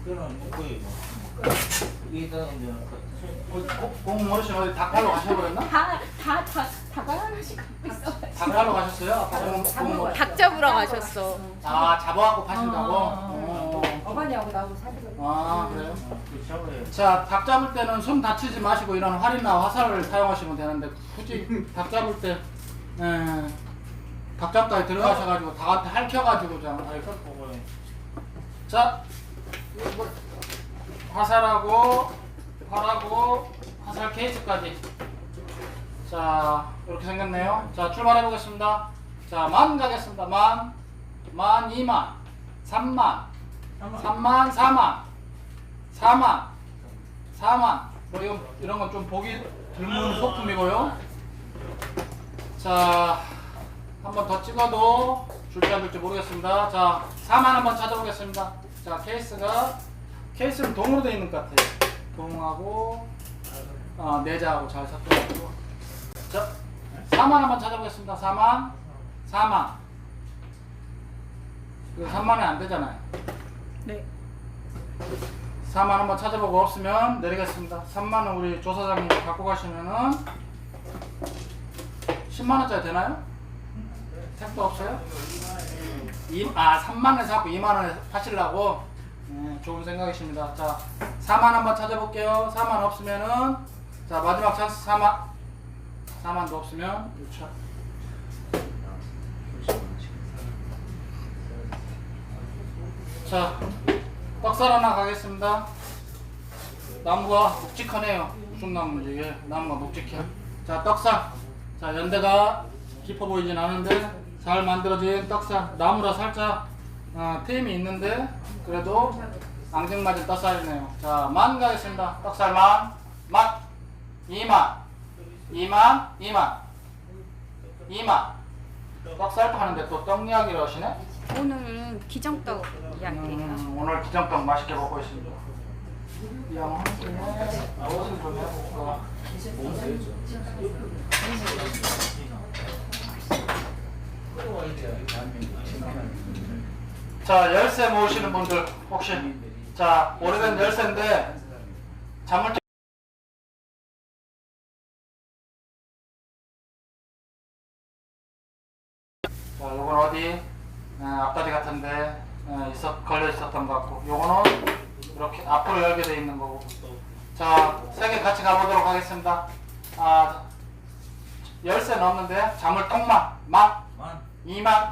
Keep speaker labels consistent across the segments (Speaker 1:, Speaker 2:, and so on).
Speaker 1: 그거는 먹고요. 이게 이제
Speaker 2: 공 어르신 어디 닭하러 가셔버렸나?
Speaker 3: 닭을 하나씩 갖고 있어.
Speaker 2: 닭하러 가셨어요? 아까 공
Speaker 3: 닭 잡으러 가셨어.
Speaker 2: 아 잡아갖고 파신다고?
Speaker 4: 어머니하고 나하고 사귀고.
Speaker 2: 아 그래요?
Speaker 1: 그 잡아요.
Speaker 2: 자, 닭 잡을 때는 손 다치지 마시고 이런 활이나 화살을 사용하시면 되는데 굳이 닭 잡을 때 닭 잡다에 들어가셔가지고 닭한테 핥혀가지고 자 화살하고 활하고 화살 케이스까지 자 이렇게 생겼네요. 자 출발해 보겠습니다. 자 만 가겠습니다. 만 2만 3만 3만 4만 4만 뭐 이런 건 좀 보기 드문 소품이고요. 자 한 번 더 찍어도 줄지 안 줄지 모르겠습니다. 자 4만 한번 찾아보겠습니다. 자 케이스는 동으로 되어 있는 것 같아요. 동하고 내자하고 잘 섞여가지고 자 4만 한번 찾아보겠습니다. 4만 이거 3만이 안 되잖아요.
Speaker 3: 네.
Speaker 2: 4만 한번 찾아보고 없으면 내리겠습니다. 3만원 우리 조사장님 갖고 가시면은 10만원짜리 되나요? 택도 없어요? 3만원에 사고 2만원에 파시려고? 좋은 생각이십니다. 자 4만 한번 찾아볼게요. 4만 없으면은 자 마지막 찬스 4만도 없으면 6천. 자 떡살 하나 가겠습니다. 나무가 묵직하네요. 무슨 나무인지 이게 나무가 묵직해. 자 떡살. 자 연대가 깊어 보이진 않은데 잘 만들어진 떡살. 나무라 살짝 트임이 있는데 그래도 앙증맞은 떡살이네요. 자 만 가겠습니다. 떡살 만 2만 떡살 파는데 또 떡 이야기를 하시네.
Speaker 3: 오늘은 기정떡 이야기예요.
Speaker 2: 오늘 기정떡 맛있게 먹고 있습니다. 이 양 한 김에 옷을 좀 해볼까. 자 열쇠 모으시는 분들 혹시 자 오래된 열쇠인데 자물쇠 자 요건 어디 앞다리 같은데 걸려 있었던 것 같고 요거는 이렇게 앞으로 열게 돼 있는 거고 자 세 개 같이 가보도록 하겠습니다. 열쇠는 없는데 자물떡만 2만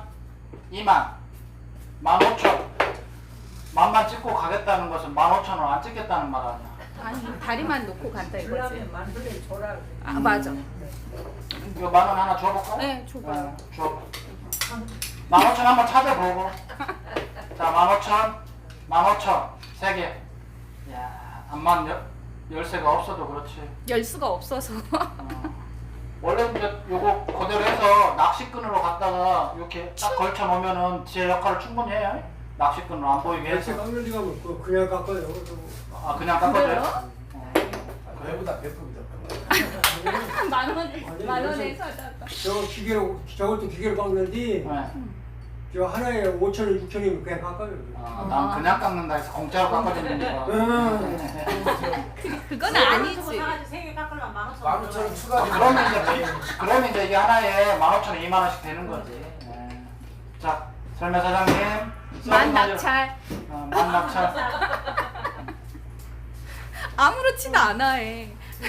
Speaker 2: 15,000 만만 찍고 가겠다는 것은 15,000원 안 찍겠다는 말 아니야.
Speaker 3: 아니 다리만 놓고 간다 이거지.
Speaker 4: 그러면 만두를 줘라.
Speaker 3: 아 맞아.
Speaker 2: 이거 10,000원 하나 줘볼까?
Speaker 3: 네 줘봐요.
Speaker 2: 줘. 15,000 한번 찾아보고 자 15,000 세 개. 야 암만 열쇠가 없어도 그렇지.
Speaker 3: 열 수가 없어서.
Speaker 2: 원래 이제 요거 그대로 해서 낚시끈으로 갖다가 이렇게 딱 걸쳐 놓으면은 제 역할을 충분히 해요. 낚시끈으로 안 보이게
Speaker 5: 열쇠
Speaker 2: 해서.
Speaker 5: 깎는 데가 뭐 그냥 깎아요.
Speaker 2: 그냥 깎아줘요?
Speaker 1: 배보다 배꼽이다.
Speaker 3: 만 원에 사다가.
Speaker 5: 저것도 기계로 깎는데
Speaker 2: 네.
Speaker 5: 저 하나에 5,000원, 6,000원이면 그냥 깎아요.
Speaker 2: 난 그냥 깎는다 해서 공짜로 깎아주는 거야.
Speaker 3: 그건 아니지.
Speaker 4: 세개 깎으려면
Speaker 1: 15,000원 추가.
Speaker 2: 그러면 이제 이게 하나에 15,000원, 2만 원씩 되는 거지. 네. 자, 설매 사장님.
Speaker 3: 만 낙찰.
Speaker 2: 만 낙찰.
Speaker 3: 아무렇지도 않아 해.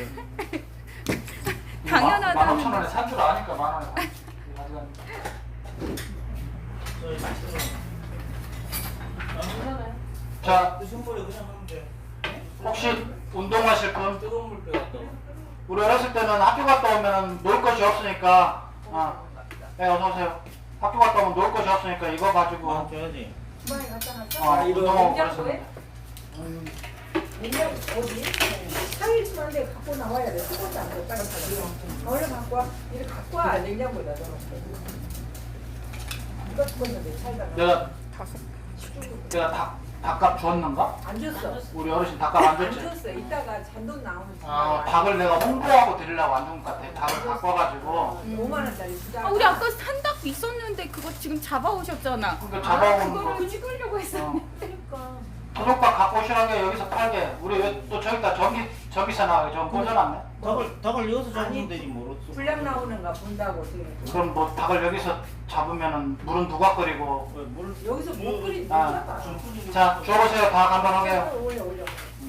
Speaker 3: 당연하다.
Speaker 2: 15,000원에 산 줄 아니까 만 원에 샀지. 자,
Speaker 1: 선물에 그냥 하면 돼.
Speaker 2: 혹시 운동하실 분?
Speaker 1: 뜨거운 물 빼갔다.
Speaker 2: 우리 어렸을 때는 학교 갔다 오면 놀 것이 없으니까 네 어서오세요. 학교 갔다 오면 놀 것이 없으니까 이거 가지고
Speaker 1: 줘야지.
Speaker 4: 주방에 갖다 놨어?
Speaker 2: 운동하고
Speaker 4: 냉장고에?
Speaker 2: 그러시면
Speaker 4: 냉장고 어디? 4일 만에 갖고 나와야 돼. 수건도 안 돼. 빨리 가져. 얼른 갖고 와. 이렇게 갖고 와. 냉장고에다 넣어놓고. 이거 죽었는데 살다가.
Speaker 2: 내가 닭값 줬는가?
Speaker 4: 안 줬어.
Speaker 2: 우리 어르신 닭값 안
Speaker 4: 안
Speaker 2: 줬지?
Speaker 4: 줬어. 이따가 잔돈 나오면
Speaker 2: 닭을 내가 홍보하고 드리려고 안 준 것 같아. 닭을 갖고 와가지고
Speaker 4: 5만 원짜리 주자.
Speaker 3: 우리 아까 산닭 있었는데 그거 지금 잡아오셨잖아.
Speaker 2: 그러니까 잡아오는 거
Speaker 3: 그거를 찍으려고 했어.
Speaker 4: 그러니까.
Speaker 2: 도둑밥 갖고 도시락에 여기서 팔게. 우리 왜 또 저기다 전기세 나가게 좀 꽂아놨네.
Speaker 1: 닭을 여기서 잡으면 되지 뭐.
Speaker 4: 불량 나오는가 본다고 지금.
Speaker 2: 그럼 뭐 닭을 여기서 잡으면은 물은 누가 끓이고.
Speaker 1: 물
Speaker 4: 여기서 못 끓인
Speaker 2: 아.
Speaker 4: 다
Speaker 2: 자, 줘보세요. 닭 한번 하게요.
Speaker 4: 올려 올려.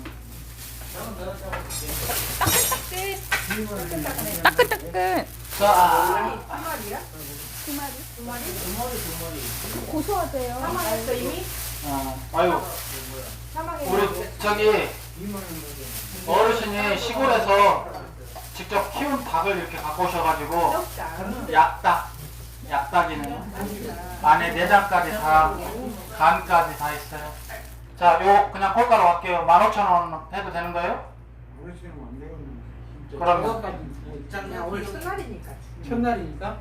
Speaker 3: 따끈따끈. 따끈따끈.
Speaker 2: 자,
Speaker 4: 한 마리야?
Speaker 3: 두 마리.
Speaker 4: 두 마리?
Speaker 3: 고소하대요.
Speaker 4: 사망했어 이미?
Speaker 2: 아유,
Speaker 4: 사망했어.
Speaker 2: 우리 저기 어르신이 시골에서 직접 키운 닭을 이렇게 갖고 오셔가지고 약닭이네요. 안에 내장까지 다, 간까지 다 있어요. 자, 요 그냥 꼴가로 할게요. 15,000원 해도 되는 거예요? 그러면
Speaker 4: 그냥 오늘 첫날이니까.
Speaker 5: 첫날이니까.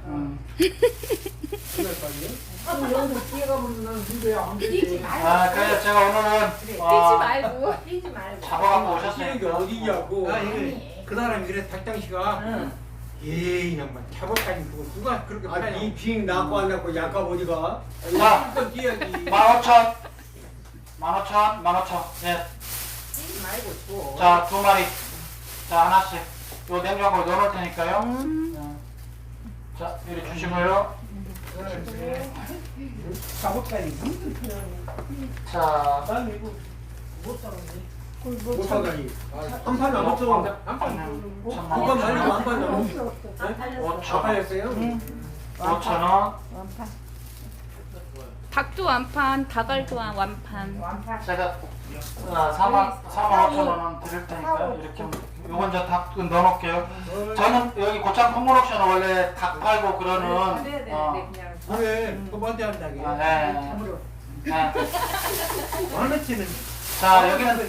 Speaker 5: 첫날까지. 여기서 뛰어가 보면 난 문제야 안
Speaker 4: 뛰지 말고.
Speaker 2: 그래서 제가 오늘은
Speaker 3: 뛰지 말고.
Speaker 4: 뛰지 말고.
Speaker 2: 잡아갖고
Speaker 5: 뛰는 게
Speaker 2: 오셨어요.
Speaker 5: 어디냐고.
Speaker 4: 아니.
Speaker 5: 그 사람이 그래 닭장씨가
Speaker 4: 응.
Speaker 5: 에이 양반 잡아까지 그거 누가 그렇게 팔아? 이 비행 낳고 안 낳고 약값 어디가?
Speaker 2: 자.
Speaker 5: 또 뛰어야지.
Speaker 2: 15,000. 15,000. 예.
Speaker 4: 뛰지 말고 줘.
Speaker 2: 자, 2마리. 자, 하나씩. 요 냉장고에 넣어놓을 테니까요. 자, 이리 주시고요.
Speaker 1: 작업까지 힘들어.
Speaker 2: 자,
Speaker 1: 난 이거 못 사는데.
Speaker 5: 못 사다니. 한 판 남았어. 한판 말리고 한판 남았어. 다
Speaker 2: 5,000원.
Speaker 5: 팔렸어요?
Speaker 2: 5,000원.
Speaker 3: 닭도 완판, 닭알도 완판.
Speaker 4: 완판.
Speaker 2: 제가 45,000원은 드릴 테니까 이렇게 요건 저 닭 넣어놓을게요. 저는 여기 고창 콩물옥션은 원래 닭 팔고 그러는
Speaker 4: 네, 그냥.
Speaker 1: 그래, 그만대 한다게.
Speaker 2: 네.
Speaker 4: 참으로.
Speaker 2: 네.
Speaker 1: 하나치는
Speaker 2: 자,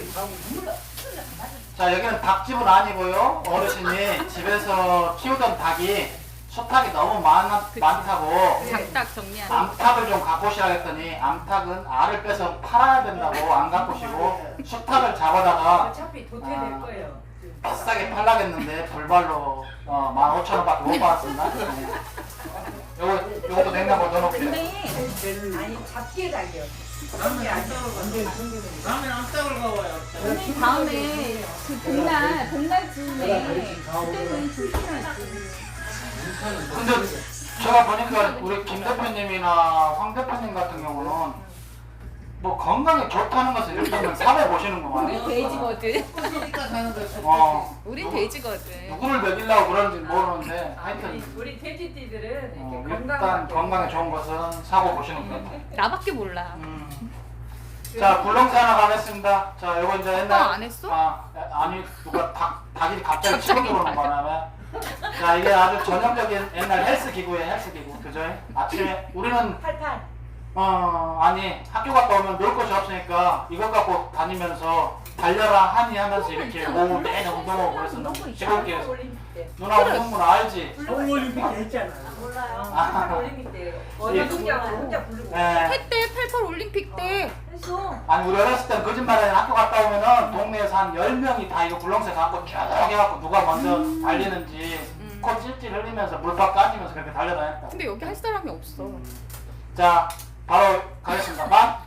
Speaker 2: 여기는 닭집은 아니고요. 어르신이 집에서 키우던 닭이 수탉이 너무 많다고
Speaker 3: 장닭 정리하는.
Speaker 2: 암탉을 좀 갖고 오시라 했더니 암탉은 알을 빼서 팔아야 된다고 안 갖고 오시고 수탉을 잡아다가
Speaker 4: 어차피 도태될 거예요.
Speaker 2: 비싸게 팔라겠는데 불발로 15,000원밖에 못 받았습니다. 네. 요것도 냉장고에 넣어놓을게요.
Speaker 3: 근데
Speaker 4: 아니 잡기에 달려.
Speaker 1: 라면 안 싸울 가봐요.
Speaker 3: 다음에 그 복날 즈음에 그때는 조심해야지.
Speaker 2: 근데 제가 보니까 우리 김 대표님이나 황 대표님 같은 경우는 뭐 건강에 좋다는 것을 일단은 사회 보시는구만.
Speaker 3: 우리 돼지거든.
Speaker 1: 그러니까 사는 거지.
Speaker 3: 우린 돼지거든.
Speaker 2: 누구를 먹이려고 그러는지 모르는데 하여튼
Speaker 4: 우리 돼지띠들은 이렇게
Speaker 2: 일단 건강에 좋은 것은 사고 보시는 거예요.
Speaker 3: 나밖에 몰라.
Speaker 2: 자, 굴렁쇠 하나 가겠습니다. 자, 요거 이제 옛날
Speaker 3: 안 했어?
Speaker 2: 아니 누가 닭이 갑자기 치고 들어오는 바람에 자, 이게 아주 전형적인 옛날 헬스 기구예요. 헬스 기구. 그죠? 아침에 우리는
Speaker 4: 팔팔.
Speaker 2: 아니 학교 갔다 오면 놀 것이 없으니까 이것 갖고 다니면서 달려라 하니 하면서 이렇게 오후 내내 운동하고 그랬었는데 시골길에서
Speaker 4: 올림픽 때.
Speaker 2: 누나 운동문 알지?
Speaker 5: 서울올림픽 했잖아.
Speaker 4: 몰라요. 올림픽 때. 어느 동작으로 혼자 부르고.
Speaker 2: 예.
Speaker 3: 했대 88 올림픽 때.
Speaker 4: 했어.
Speaker 2: 아니 우리 어렸을 땐 거짓말에 학교 갔다 오면은 동네에서 한 10명이 다 이거 굴렁쇠 갖고 쭉 해갖고 누가 먼저 달리는지 코 찔찔 흘리면서 물밥 까지면서 그렇게 달려다녔다.
Speaker 3: 근데 여기 할 사람이 없어.
Speaker 2: 자, 바로 가겠습니다.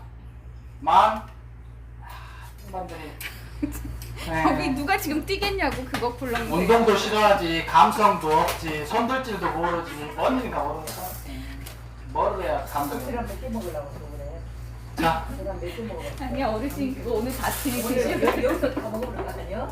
Speaker 2: 일반들이
Speaker 3: 거기 누가 지금 뛰겠냐고 그거 굴렁쇠.
Speaker 2: 운동도 싫어하지, 감성도 없지, 손들질도 모르지, 언니가 모르겠어. 뭘 해야 감동이.
Speaker 4: 그럼 몇개 먹으려고 그래.
Speaker 2: 자,
Speaker 4: 그럼 몇개 먹어.
Speaker 3: 아니야 어르신 그거 오늘 다 드시고.
Speaker 4: 오늘 여기서 다 먹어버렸거든요.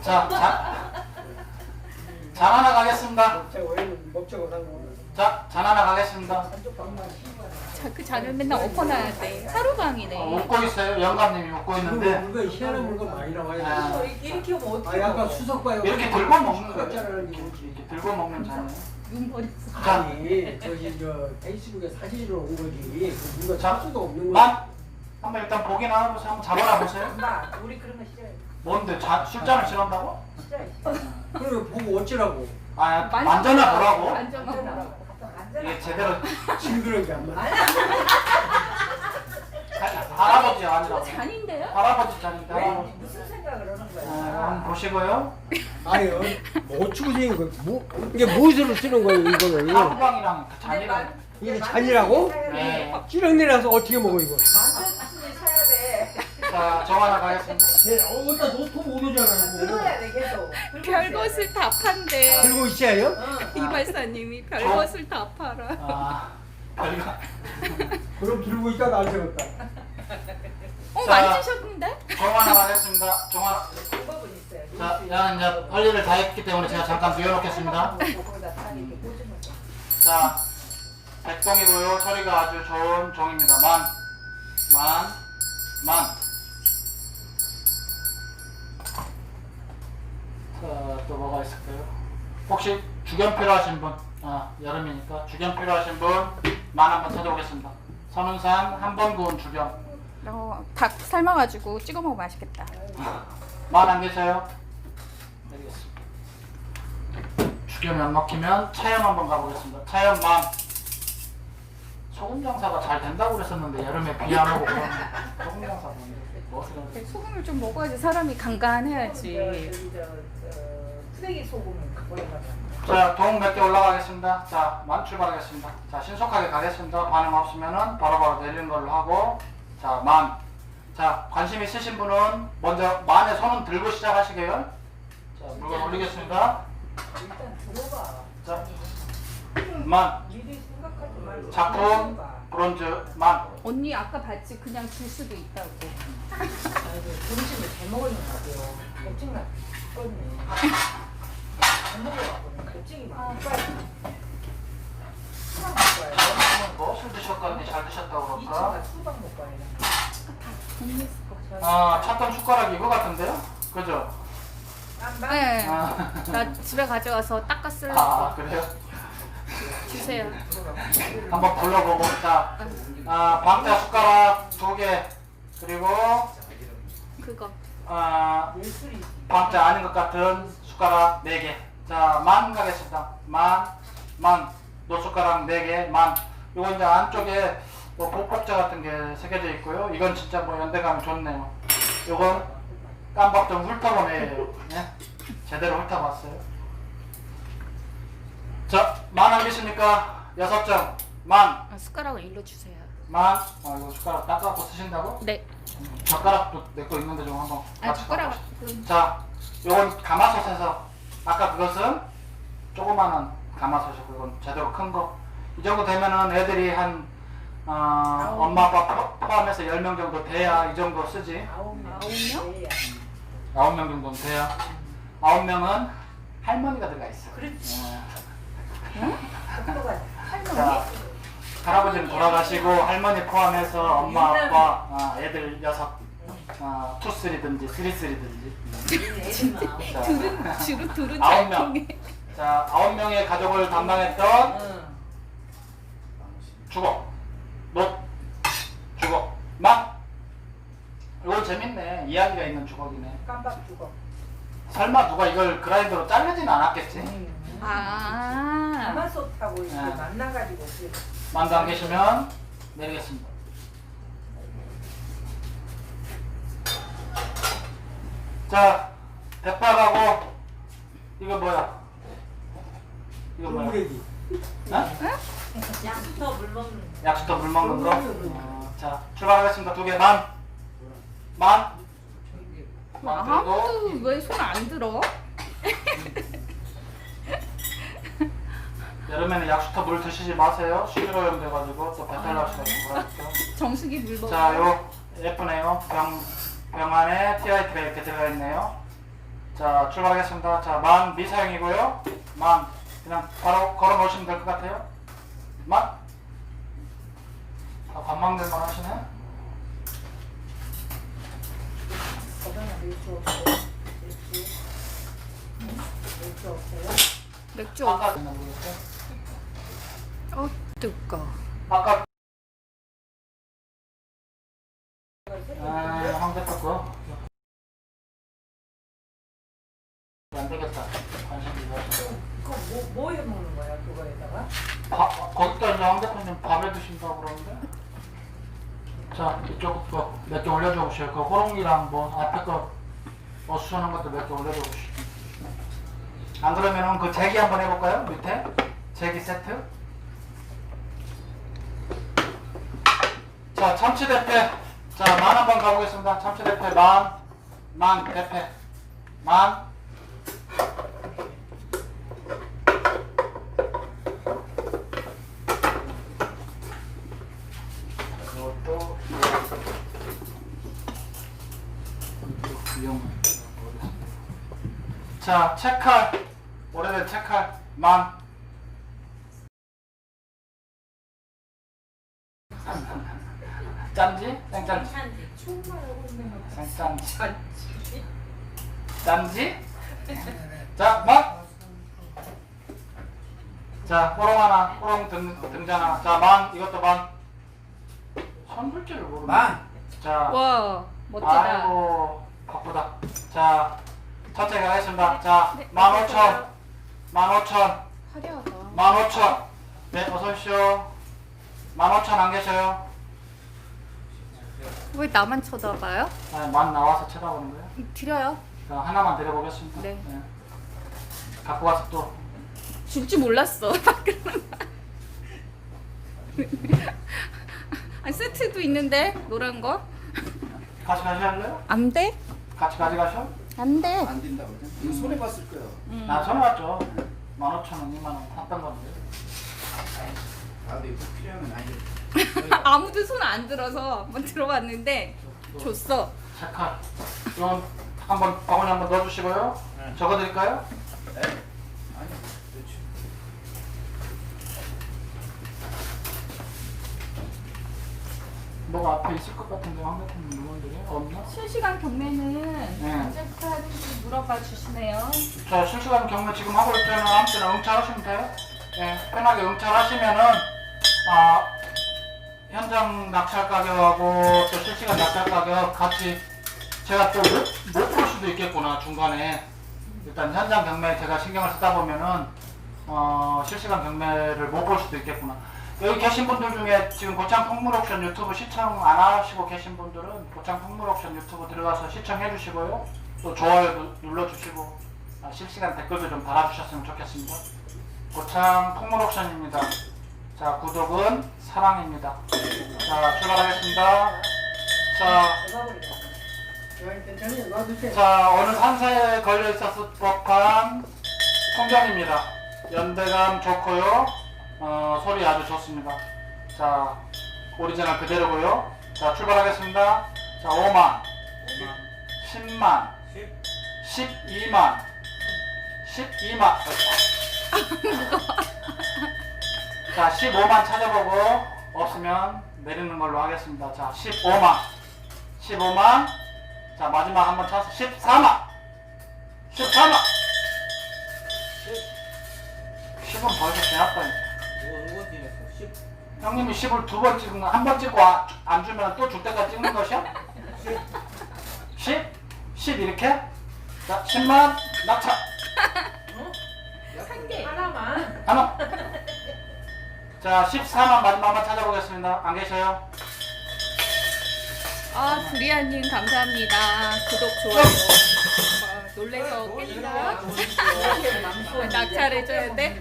Speaker 2: 잔 하나 가겠습니다.
Speaker 5: 먹자고 산 거.
Speaker 2: 자, 잔 하나 가겠습니다.
Speaker 3: 그 잔을 맨날 엎어놔야 돼. 하루방이네.
Speaker 2: 웃고 있어요. 영감님이 웃고 있는데
Speaker 5: 물건 희한한 물건 많이 나와요.
Speaker 2: 아.
Speaker 4: 이렇게 하면 어떻게
Speaker 5: 아 약간
Speaker 4: 먹어?
Speaker 5: 수석 봐요.
Speaker 2: 이렇게 들고 먹는 거예요.
Speaker 5: 숫자라는 게
Speaker 2: 이렇게 들고 먹는 잔이에요.
Speaker 3: 눈 버렸어.
Speaker 2: 자,
Speaker 5: 아니 저기 저 페이스북에 사진으로 온 거지. 그 누가
Speaker 2: 자,
Speaker 5: 찰 수도 없는 거야.
Speaker 2: 한번 일단 보기나 하면서 한번 잡아라 보세요.
Speaker 4: 엄마, 우리 그런 거 싫어해.
Speaker 2: 뭔데 술잔을 싫어한다고?
Speaker 4: 싫어해.
Speaker 5: 그걸 보고 어쩌라고.
Speaker 2: 아, 만져나 보라고?
Speaker 3: 만져봐.
Speaker 2: 이게 제대로
Speaker 5: 징그러운 게안 맞아.
Speaker 2: 할아버지 아니라고.
Speaker 3: 잔인데요?
Speaker 2: 할아버지 잔인데
Speaker 4: 왜?
Speaker 2: 할아버지.
Speaker 4: 무슨 생각을 하는
Speaker 2: 한번
Speaker 4: 거야?
Speaker 2: 보시고요.
Speaker 5: 아니요. 뭐 어쩌고 생긴 거. 이게 무엇으로 쓰는 거예요 이거는.
Speaker 2: 하루방이랑 그 잔이랑.
Speaker 5: 이게 잔이라고?
Speaker 2: 네.
Speaker 5: 찌렁내려서 어떻게 먹어 이거.
Speaker 4: 만두순을 사야 돼.
Speaker 2: 자, 자, 정하나 가겠습니다.
Speaker 5: 어디다 놓고 오르잖아.
Speaker 4: 들어야 돼 계속.
Speaker 3: 별것을 다 판대.
Speaker 5: 들고 있어요?
Speaker 3: 이 발사님이 별것을 다 팔아.
Speaker 2: 아, 별거.
Speaker 5: 그럼 들고 있다가 안 되겠다.
Speaker 3: 자, 만지셨는데?
Speaker 2: 정하나 가겠습니다. 정하나.
Speaker 4: 방법은 있어요.
Speaker 2: 자, 야, 이제 할 일을 다 했기 때문에 제가 잠깐 비워놓겠습니다.
Speaker 4: 거기다 다 이렇게 꽂으면 돼.
Speaker 2: 자, 백동이고요. 소리가 아주 좋은 종입니다. 만. 자, 또 뭐가 있을까요? 혹시 주견 필요하신 분? 아, 여름이니까 주견 필요하신 분 만 한번 찾아오겠습니다. 선운산 한 번 구운 주견.
Speaker 3: 닭 삶아가지고 찍어 먹으면 맛있겠다.
Speaker 2: 만 안 계세요? 알겠습니다. 주견이 안 먹히면 차염 한번 가보겠습니다. 차염 만. 소금 장사가 잘 된다고 그랬었는데 여름에 비 안 오고 그러면 소금 장사 뭐
Speaker 3: 소금을 좀 먹어야지 사람이 간간해야지.
Speaker 4: 쓰레기 소금을 갖고 나가.
Speaker 2: 자, 동 몇 개 올라가겠습니다. 자, 만 출발하겠습니다. 자, 신속하게 가겠습니다. 반응 없으면은 바로바로 내리는 걸로 하고, 자, 만. 자, 관심 있으신 분은 먼저 만에 손은 들고 시작하시게요. 자, 물건 올리겠습니다.
Speaker 4: 일단 들어봐.
Speaker 2: 자, 만.
Speaker 4: 미리 생각하지 말고.
Speaker 2: 작품
Speaker 4: 들어봐.
Speaker 2: 브론즈 만.
Speaker 3: 언니 아까 봤지? 그냥 줄 수도 있다고.
Speaker 4: 아이고, 점심을 잘 먹었는가 봐요. 걱정나 죽겠네. 안 먹어갖고는 걱정이 많아. 빨리. 수박 먹고 와야
Speaker 2: 무엇을 드셨거니 잘 드셨다고
Speaker 4: 돼.
Speaker 2: 그럴까?
Speaker 4: 2차가 수박 먹고 와야 돼.
Speaker 3: 언니
Speaker 2: 아, 찾던 숟가락이 이거 같은데요? 그죠?
Speaker 3: 네.
Speaker 2: 아,
Speaker 3: 나 집에 가져와서 닦아
Speaker 2: 아
Speaker 3: 쓰려고.
Speaker 2: 그래요?
Speaker 3: 주세요.
Speaker 2: 한번 불러보고. 자, 방자 숟가락 2개, 그리고
Speaker 3: 그거.
Speaker 4: 예술이.
Speaker 2: 방자 아닌 것 같은 숟가락 4개. 자, 만 가겠습니다. 만. 노숟가락 4개, 만. 요거 이제 안쪽에 뭐 복복자 같은 게 새겨져 있고요. 이건 진짜 뭐 연대감이 좋네요. 요건 깜박 좀 훑어본 애예요. 네? 제대로 훑어봤어요. 자, 만 안 계십니까? 6점. 만.
Speaker 3: 숟가락을 일로 주세요.
Speaker 2: 이거 숟가락 닦아갖고 쓰신다고?
Speaker 3: 네.
Speaker 2: 젓가락도 내 거 있는데 좀 한번 같이
Speaker 3: 숟가락.
Speaker 2: 닦아보시죠. 자, 요건 가마솥에서 아까 그것은 조그마한 가마솥이고 이건 제대로 큰 거. 이 정도 되면은 애들이 한 엄마 아빠 포함해서 10명 정도 돼야 이 정도 쓰지.
Speaker 4: 9명?
Speaker 2: 9명 정도는 돼야. 9명은 할머니가 들어가 있어.
Speaker 4: 그렇지.
Speaker 2: 네.
Speaker 4: 똑똑하지.
Speaker 2: 자, 할아버지는 돌아가시고 할머니 포함해서 엄마 아빠 애들 6, 2-3든지 3-3든지. 자,
Speaker 3: 주로 둘은
Speaker 2: 9명.
Speaker 3: 잘 통해.
Speaker 2: 자, 9명의 가족을 담당했던
Speaker 4: 응.
Speaker 2: 주걱, 이건 재밌네. 이야기가 있는 주걱이네.
Speaker 4: 깜빡 죽어.
Speaker 2: 설마 누가 이걸 그라인더로 자르진 않았겠지?
Speaker 3: 아.
Speaker 4: 가마솥하고 이렇게
Speaker 2: 네.
Speaker 4: 만나가지고 그래.
Speaker 2: 만두 안 계시면 내리겠습니다. 자, 대파하고 이거 뭐야? 이거 뭐야?
Speaker 5: 꿀무래기.
Speaker 4: 양부터 물 먹는.
Speaker 2: 약수터 물 먹는 거. 자, 출발하겠습니다. 2개 만 들고
Speaker 3: 아무도 왜 손 안 들어?
Speaker 2: 여름에는 약수터 물 드시지 마세요. 수질오염 돼가지고 또 배탈 날 수가 있는 거라니까.
Speaker 3: 정수기 물 먹어.
Speaker 2: 자, 요 예쁘네요. 병 안에 TIT가 이렇게 들어가 있네요. 자, 출발하겠습니다. 자, 만 미사용이고요. 만 그냥 바로 걸어 놓으시면 될 것 같아요. 만. 밥 먹는 만 하시네.
Speaker 4: 거기다 맥주 없어요? 맥주 없어요?
Speaker 3: 맥주
Speaker 2: 아까
Speaker 3: 없어. 뜨거.
Speaker 2: 아까 황대파 거. 안 되겠다. 관심 있어.
Speaker 4: 그거 뭐 해 먹는 거야 그거에다가?
Speaker 2: 거기다 이제 황대표님 밥에 드신다고 그러는데. 자, 이쪽 거 몇 개 올려줘 보세요. 그 호롱이랑 뭐 앞에 거 어수선한 것도 몇 개 올려줘 보시죠. 안 그러면은 그 제기 한번 해볼까요? 밑에 제기 세트. 자, 참치 대패 자, 만 한번 가보겠습니다. 참치 대패 만 대패 만. 이것도 위험. 자, 채칼 오래된 채칼 만. 짠지? 생짠지? 생짠지. 짠지? 자, 만. 자, 호롱 하나, 호롱 등잔 하나. 자, 만, 이것도 만. 선불제를 모르네.
Speaker 1: 만.
Speaker 2: 자,
Speaker 3: 와 멋지다.
Speaker 2: 아이고, 바쁘다. 자, 천천히 가겠습니다. 자,
Speaker 3: 네,
Speaker 2: 15,000. 15,000.
Speaker 3: 화려하다.
Speaker 2: 15,000. 네, 어서오십시오. 15,000 안 계셔요?
Speaker 3: 왜 나만 쳐다봐요?
Speaker 2: 네, 만 나와서 쳐다보는 거예요?
Speaker 3: 드려요.
Speaker 2: 자, 하나만 드려보겠습니다.
Speaker 3: 네.
Speaker 2: 갖고 와서 또.
Speaker 3: 줄 줄 몰랐어. 아, 세트도 있는데 노란 거?
Speaker 2: 같이 가실래요?
Speaker 3: 안 돼?
Speaker 2: 같이 가져가셔?
Speaker 3: 안 돼.
Speaker 5: 안 된다고. 이거 손해 봤을 거야.
Speaker 2: 나 전화 왔죠. 15,000원, 2만원 샀던 건데.
Speaker 5: 나도 이거 필요하면 아니.
Speaker 3: 아무도 손 안 들어서 한번 들어봤는데 줬어.
Speaker 2: 색깔. 이건 한번 바구니 한번 넣어주시고요.
Speaker 1: 네.
Speaker 2: 적어드릴까요?
Speaker 5: 네? 아니. 그렇지.
Speaker 2: 뭐가 앞에 있을 것 같은데 황대표님 물건들이 없나?
Speaker 3: 실시간 경매는
Speaker 2: 네.
Speaker 3: 언제부터 하는지 물어봐 주시네요.
Speaker 2: 자, 실시간 경매 지금 하고 있잖아요. 아무 때나 응찰하시면 돼요. 네, 편하게 응찰하시면은 현장 낙찰 가격하고 또 실시간 낙찰 가격 같이 제가 또 못 볼 수도 있겠구나 중간에. 일단 현장 경매 제가 신경을 쓰다 보면은 실시간 경매를 못 볼 수도 있겠구나. 여기 계신 분들 중에 지금 고창 풍물옥션 유튜브 시청 안 하시고 계신 분들은 고창 풍물옥션 유튜브 들어가서 시청해 주시고요. 또 좋아요 눌러주시고 실시간 댓글도 좀 달아주셨으면 좋겠습니다. 고창 풍물옥션입니다. 자, 구독은 사랑입니다. 자, 출발하겠습니다. 자, 오늘 산사에 걸려 있었을 법한 풍경입니다. 연대감 좋고요. 소리 아주 좋습니다. 자, 오리지널 그대로고요. 자, 출발하겠습니다. 자, 5만, 10만, 12만, 12만. 자, 15만 찾아보고 없으면 내리는 걸로 하겠습니다. 자, 15만, 15만. 자, 마지막 한번 찾아서 14만, 14만. 10은 벌써 지났다니까.
Speaker 1: 누가 찍었어? 10.
Speaker 2: 형님이 10을 2번 찍은 거, 한 번 찍고 안 주면 또 줄 때까지 찍는 것이야? 10? 10 이렇게? 자, 10만 낙찰.
Speaker 3: 한 개.
Speaker 4: 하나만.
Speaker 2: 하나. 자, 14만 마지막 한번 찾아보겠습니다. 안 계셔요?
Speaker 3: 아, 두리안님 감사합니다. 구독, 좋아요. 놀래서 깼다. 낙찰해줘야 돼?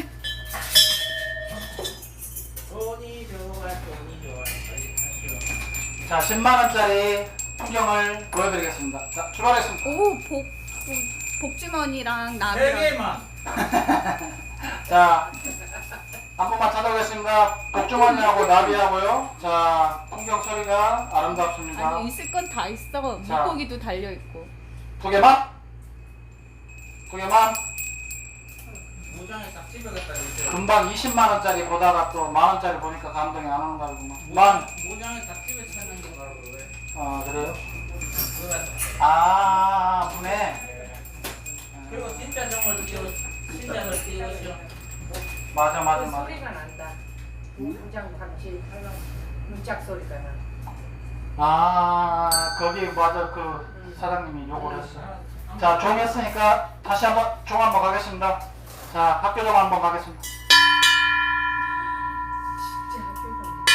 Speaker 1: 돈이 좋아, 돈이 좋아. 빨리 타시오.
Speaker 2: 자, 10만원짜리 풍경을 보여드리겠습니다. 자, 출발했습니다.
Speaker 3: 오, 복주머니랑
Speaker 1: 세
Speaker 3: 나무랑.
Speaker 1: 개만.
Speaker 2: 자, 한 번만 찾아보겠습니다. 복주머니하고 나비하고요. 자, 풍경 소리가 아름답습니다.
Speaker 3: 아니, 있을 건 다 있어.
Speaker 2: 자.
Speaker 3: 물고기도 달려있고.
Speaker 2: 2개만? 2개만?
Speaker 1: 모장에 딱 집어갔다 이제.
Speaker 2: 금방 20만원짜리 보다가 또 만원짜리 보니까 감동이 안 오는 거구만. 만?
Speaker 1: 모장에 딱 집어 찾는 게 바로 그거예요.
Speaker 2: 그래요?
Speaker 1: 그거다.
Speaker 2: 아, 분해.
Speaker 1: 그리고 진짜 정을 띄워, 진짜를 띄우시오.
Speaker 2: 맞아, 맞아,
Speaker 4: 그
Speaker 2: 맞아.
Speaker 4: 소리가 난다. 공장 같이 하면 문짝 소리가 나.
Speaker 2: 아, 거기 맞아. 그 사장님이 욕을 했어. 자, 종 했으니까 다시 한번 종 한번 가겠습니다. 자, 학교종 한번 가겠습니다.
Speaker 4: 진짜 학교가.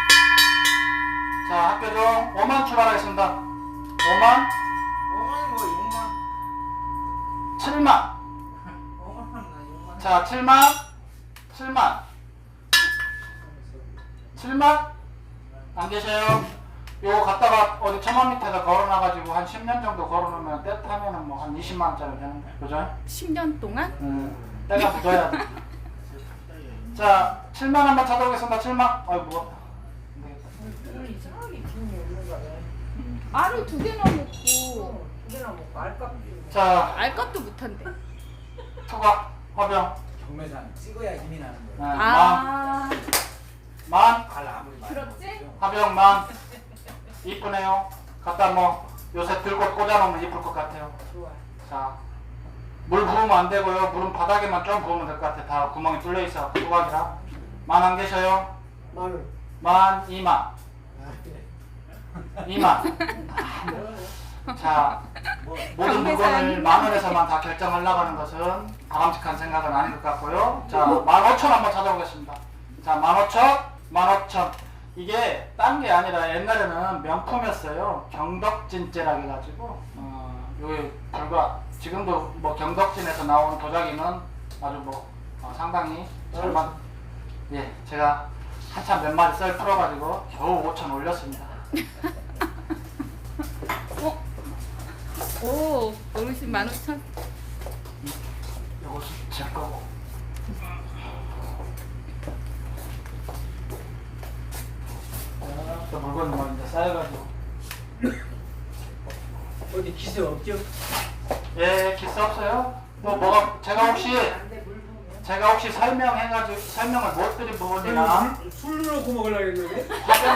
Speaker 2: 자, 학교종 5만 출발하겠습니다. 5만,
Speaker 1: 5만이 뭐 6만.
Speaker 2: 7만.
Speaker 1: 5만 나 6만.
Speaker 2: 자, 7만, 7만. 7만? 안 계셔요? 요거 갖다가 어디 천막 밑에다 걸어놔가지고 한 10년 정도 걸어놓으면 때 타면은 뭐 한 20만 원짜리 되는 거야. 그죠?
Speaker 3: 10년 동안?
Speaker 2: 때가 묻어야 돼. 자, 7만 한번 찾아보겠습니다. 7만. 아이 무겁다. 안 되겠다.
Speaker 4: 오늘 이상하게 기운이 없는가 봐.
Speaker 3: 알을 2개 넣어놓고
Speaker 4: 두 개나 먹고 알값.
Speaker 2: 자,
Speaker 3: 알것도 못한대.
Speaker 2: 투각, 화병.
Speaker 5: 경매장 찍어야 힘이 나는
Speaker 2: 네,
Speaker 5: 거예요.
Speaker 3: 아,
Speaker 2: 만,
Speaker 5: 발 아무리 많이
Speaker 3: 그렇지?
Speaker 5: 먹어도.
Speaker 2: 화병 만. 이쁘네요. 갖다 뭐 요새 들고 꽂아놓으면 이쁠 것 같아요.
Speaker 4: 좋아.
Speaker 2: 자, 물 부으면 안 되고요. 물은 바닥에만 좀 부으면 될 것 같아요. 다 구멍이 뚫려 있어. 투각이라. 만 안 계셔요?
Speaker 5: 마늘.
Speaker 2: 만, 2만.
Speaker 5: 아, 그래.
Speaker 2: 2만. 자, 모든 물건을 만 원에서만 다 결정하려고 하는 것은 바람직한 생각은 아닌 것 같고요. 자, 15,000 한번 찾아보겠습니다. 자, 15,000, 15,000. 이게 딴 게 아니라 옛날에는 명품이었어요. 경덕진제라 해가지고 요게 불과 지금도 뭐 경덕진에서 나온 도자기는 아주 뭐 상당히 잘만 예 제가 한참 몇 마리 썰 풀어가지고 겨우 5,000 올렸습니다.
Speaker 3: 오, 어르신 15,000.
Speaker 2: 요것은 제 거고. 또 물건 뭐 이제 쌓여가지고.
Speaker 5: 어디 기세 없죠?
Speaker 2: 예, 기스 없어요? 뭐 뭐가 제가 혹시 설명해가지고 설명을 못 드린 부분이나
Speaker 5: 술 넣고 먹으려고 했는데?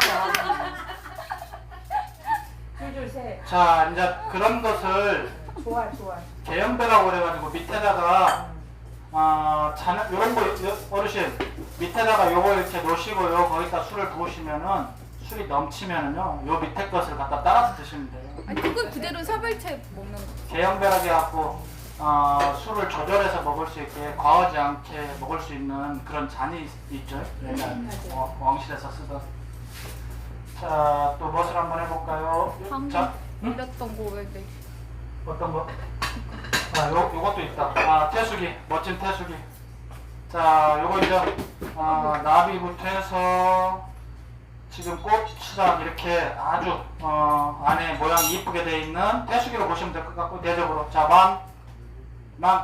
Speaker 4: 줄줄 세.
Speaker 2: 자 이제 그런 것을
Speaker 4: 좋아 좋아.
Speaker 2: 개연배라고 그래가지고 밑에다가 잔 요런 거 어르신 밑에다가 요거 이렇게 놓으시고요 거기다 술을 부으시면은 술이 넘치면은요 요 밑에 것을 갖다 따라서 드시면 돼요.
Speaker 3: 아니, 그건 그대로 사발채 먹는 거.
Speaker 2: 개연배라고 해갖고 술을 조절해서 먹을 수 있게 과하지 않게 먹을 수 있는 그런 잔이 있죠. 옛날 왕실에서 쓰던. 자, 또 무엇을 한번 해볼까요?
Speaker 3: 방금
Speaker 2: 자,
Speaker 3: 올렸던 거 왜 내?
Speaker 2: 어떤 거? 요것도 있다. 태수기, 멋진 태수기. 자, 요거 이제 나비부터 해서 지금 꽃이랑 이렇게 아주 안에 모양이 이쁘게 되어 있는 태수기로 보시면 될 것 같고 대적으로 자, 만.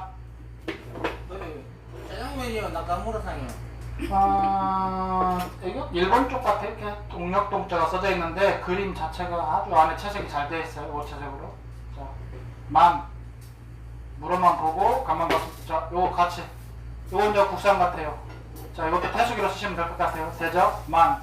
Speaker 1: 짜장면이요, 나카무라상이요.
Speaker 2: 이거 일본 쪽 같아. 이렇게 동력동자가 써져 있는데 그림 자체가 아주 안에 채색이 잘 되어 있어요. 오체색으로. 자, 만. 물어만 보고 가만 봐서 자, 요거 같이. 요건 이제 국산 같아요. 자, 이것도 태수기로 쓰시면 될 것 같아요. 대적 만.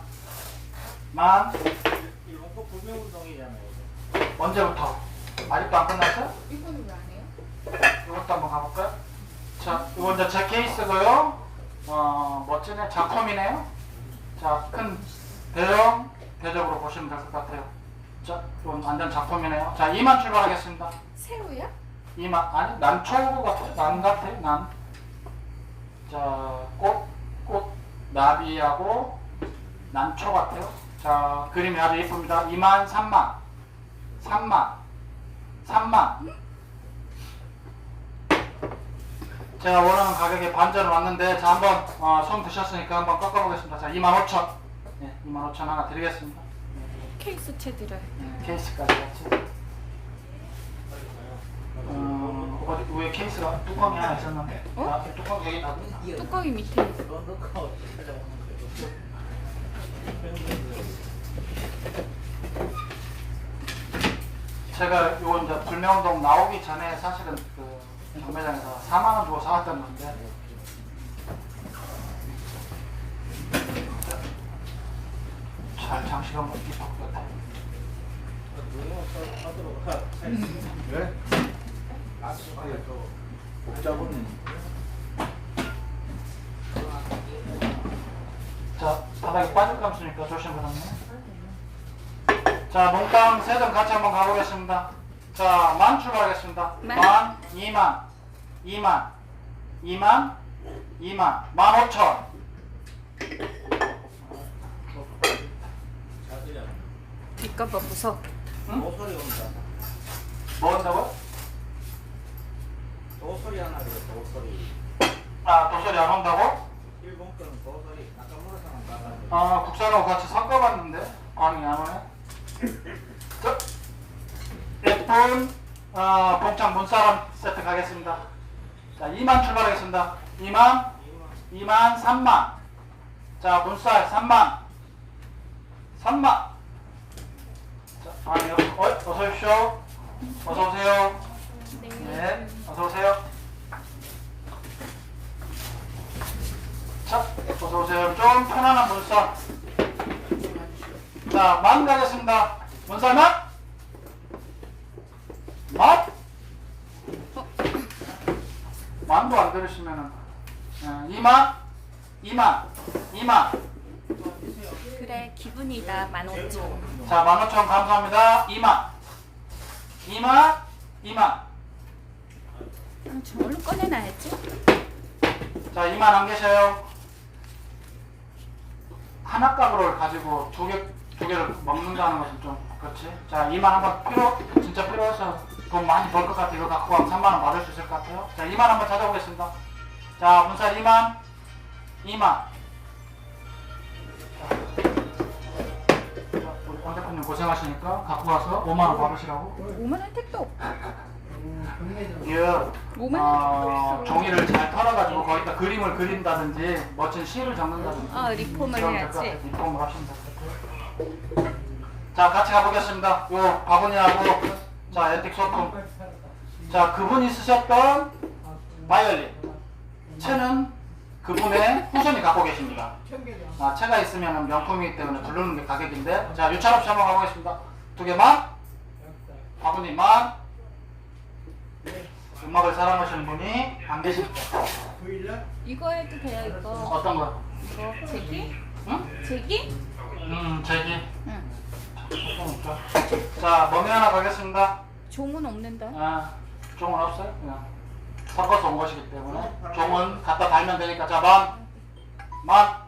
Speaker 1: 일본 거 불매운동이잖아요.
Speaker 2: 언제부터? 아직도 안 끝났어요?
Speaker 3: 이거는 왜 안 해요?
Speaker 2: 이것도 한번 가볼까요? 자, 이건 이제 제 케이스고요. 멋지네. 작품이네요. 자, 큰 대형 대적으로 보시면 될 것 같아요. 자, 이건 완전 작품이네요. 자, 2만 출발하겠습니다.
Speaker 3: 새우야?
Speaker 2: 2만, 아니, 난초 같아요. 난 같아요. 난. 자, 꽃, 나비하고 난초 같아요. 자, 그림이 아주 예쁩니다. 2만, 3만. 제가 원하는 가격에 반전을 왔는데, 자, 한번, 손 드셨으니까 한번 꺾어보겠습니다. 자, 25,000. 네, 25,000 하나 드리겠습니다.
Speaker 3: 케이스 채 드려요.
Speaker 2: 케이스까지 같이. 어디, 왜 케이스가 뚜껑이 하나 있었는데?
Speaker 3: 어?
Speaker 2: 뚜껑 여기 놔뒀나?
Speaker 3: 뚜껑이 밑에 있어.
Speaker 1: 그거 넣고 찾아보는
Speaker 2: 제가 요 이제 불매운동 나오기 전에 사실은 그 경매장에서 4만 원 주고 사왔던 건데 잘 장식 한번 입힐 것 같아요.
Speaker 5: 왜? 복잡은
Speaker 2: 자, 바닥에 빠질 감수니까 조심하라네. 자, 몽땅 세 점 같이 한번 가보겠습니다. 자, 만 출발하겠습니다. 만, 2만, 15,000.
Speaker 3: 뒷값봐 무서워.
Speaker 1: 도소리 온다.
Speaker 2: 뭐 한다고?
Speaker 1: 도소리 하나 그래, 도소리.
Speaker 2: 도소리 안 온다고?
Speaker 1: 일본 거는 도소리. 나카무라상은 나가.
Speaker 2: 국산하고 같이 섞어봤는데 반응이 안 오네. 높은 봉창 문사람 세트 가겠습니다. 자, 2만 출발하겠습니다. 2만, 3만. 자, 문살 3만. 3만. 자, 아니요. 어서 오십시오. 어서 오세요. 네, 어서 오세요. 자, 어서 오세요. 좀 편안한 문살. 자, 만 가겠습니다. 문살 만. 만? 만도 안 들으시면은 2만.
Speaker 3: 그래 기분이다 15,000.
Speaker 2: 자, 15,000 감사합니다. 2만.
Speaker 3: 저걸로 꺼내놔야지.
Speaker 2: 자, 2만 안 계셔요. 하나 값으로 가지고 두 개를 먹는다는 것은 좀 그렇지. 자, 2만 한번 진짜 필요해서 돈 많이 벌 것 같아. 이거 갖고 가면 3만 원 받을 수 있을 것 같아요. 자, 2만 한번 찾아보겠습니다. 자, 문살 2만. 우리 권 대표님 고생하시니까 갖고 가서 5만 원 받으시라고.
Speaker 3: 5만 원 택도 없고.
Speaker 2: 이게
Speaker 3: 5만 원
Speaker 2: 종이를 잘 털어가지고 거기다 그림을 그린다든지 멋진 시를 적는다든지.
Speaker 3: 리폼을
Speaker 2: 그럼
Speaker 3: 해야지.
Speaker 2: 될것 같아요. 리폼을 하시면 될 것 같아요. 자, 같이 가보겠습니다. 요 바구니하고 자, 앤틱 소품. 자, 그분이 쓰셨던 바이올린. 채는 그분의 후손이 갖고 계십니다. 채가 있으면 명품이기 때문에 부르는 게 가격인데. 자, 유찬 없이 한번 가보겠습니다. 2개만. 바구니만. 음악을 사랑하시는 분이 안 계십니다.
Speaker 3: 이거 해도 돼요 이거.
Speaker 2: 어떤 거?
Speaker 3: 이거 제기?
Speaker 2: 응?
Speaker 3: 제기?
Speaker 2: 제기.
Speaker 3: 응.
Speaker 2: 자, 머미 하나 가겠습니다.
Speaker 3: 종은 없는데.
Speaker 2: 종은 없어요? 그냥 섞어서 온 것이기 때문에 종은 갖다 달면 되니까. 자, 만.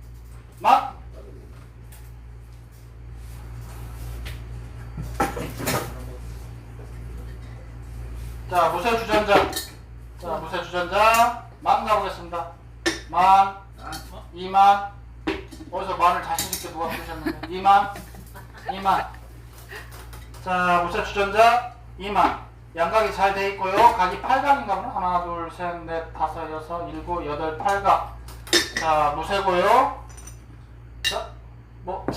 Speaker 2: 자, 무쇠 주전자. 자, 무쇠 주전자 만 가보겠습니다. 2만. 어디서 만을 자신있게 누가 부르셨는데. 2만. 자, 무쇠 주전자 2만. 양각이 잘 돼 있고요. 각이 8각인가 보나? 하나, 둘, 셋, 넷, 다섯, 여섯, 일곱, 여덟, 8각. 자, 무쇠고요. 자,